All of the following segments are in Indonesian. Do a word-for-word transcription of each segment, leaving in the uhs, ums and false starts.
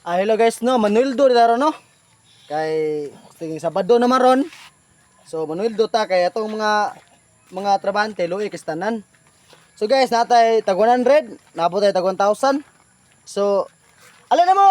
Ah, hello guys, no, Manueldo daro no. Kay tingin Sabado na maron. So Manueldo ta kay atong mga mga trabante luoy kistanan. So guys, natay tag one hundred, nabot tay tag one thousand. So alin na mo?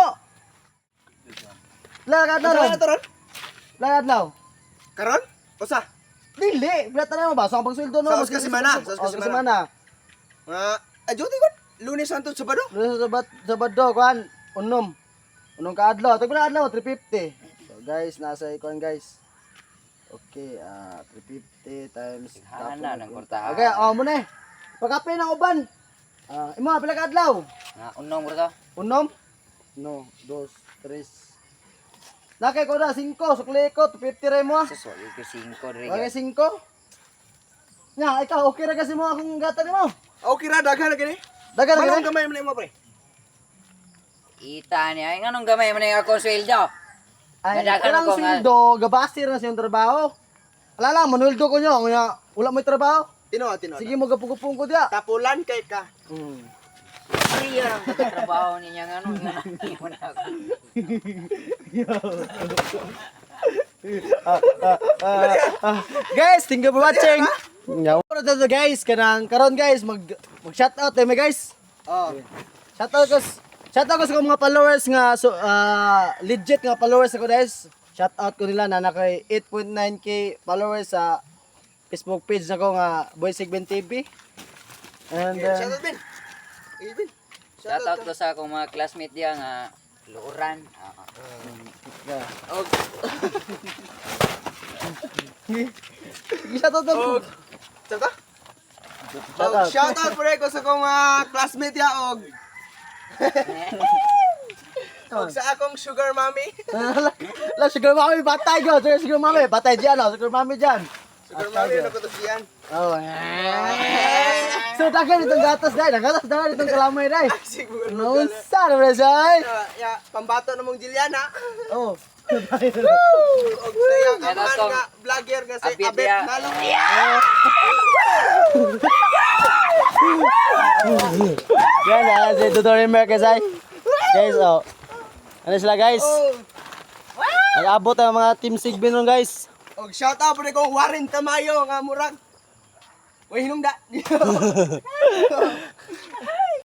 Lagad na ron. Ano to ron? Lagad now. Karon? Usa. Dili, bilata na mo ba? Sa pagsweldo no. Sa Oscar Simana, sa Sa Oscar Oscar Simana. Mga ajuti ko. Lunes Santo Sabado. Lunes sa Sabado, Sabado kuan, unom. Unong kaadlaw, tag na adlaw three fifty. So guys, nasa ikuan guys. Okay, ah three fifty times Hana ng kurtahan. Okay, oh mo na. Pagkape ng uban. Ah, imo pila ka adlaw? Nga unong bro to. Unom? No, dos, tres. Nakay ko na cinco, sukli ko two fifty ray mo. Suso, yung kusingko rin. Okay, cinco. Nya, ikaw okay ra kasi mo akong gata nimo. Okay ra daghan na gani. Dagan na Manong gani. gamay man mo pre. Ita niya. Ay, anong gamay man yung ako sweldo? Ay, Nadagan kanang ako nga. sildo, gabasir na siyang trabaho. Ala lang, Manueldo ko nyo, nga wala may trabaho. Tino, tino. Sige mo gapugupong ko diya. Tapulan kay ka. Hmm. Ay, ang katrabaho niya nga ano. Nga nang na ako. Guys, thank you for watching. Nyaw. Para to guys, kanang karon guys, mag mag shout out eh guys. Oh. Shout out ko, shout out ko sa mga followers nga so ah, legit nga followers ako guys. Shout out ko nila na kay eight point nine K followers sa Facebook page nako nga Boy Segment T V. And Shout uh, out Ben. Eh Ben. Shout out ko sa akong mga classmate diya nga luuran. Ah, ah. yeah. Og Shout out ko. og Shout out. Shout Og out. shout out pre ko sa akong mga classmate ya og og sa akong sugar mommy. La sugar mami batay go, sugar sugar mami batay diyan, oh, sugar mami diyan. Sugar mommy na ko to siyan. Oh. So dagan itong gatas dai, gatas dagan itong kalamay dai. Siguro. Naunsa na ba say? Ya, pambato na mong Juliana. Oh. Og sayang Yan aman atong nga vlogger nga si abit Abet niya. Malo. Yan na si tutorial merke say. Guys, oh. Ano sila guys? Oh, Nag-abot ang mga team Sigbin ron guys. og shout out pre ko Warren Tamayo nga murag. Way hinungda.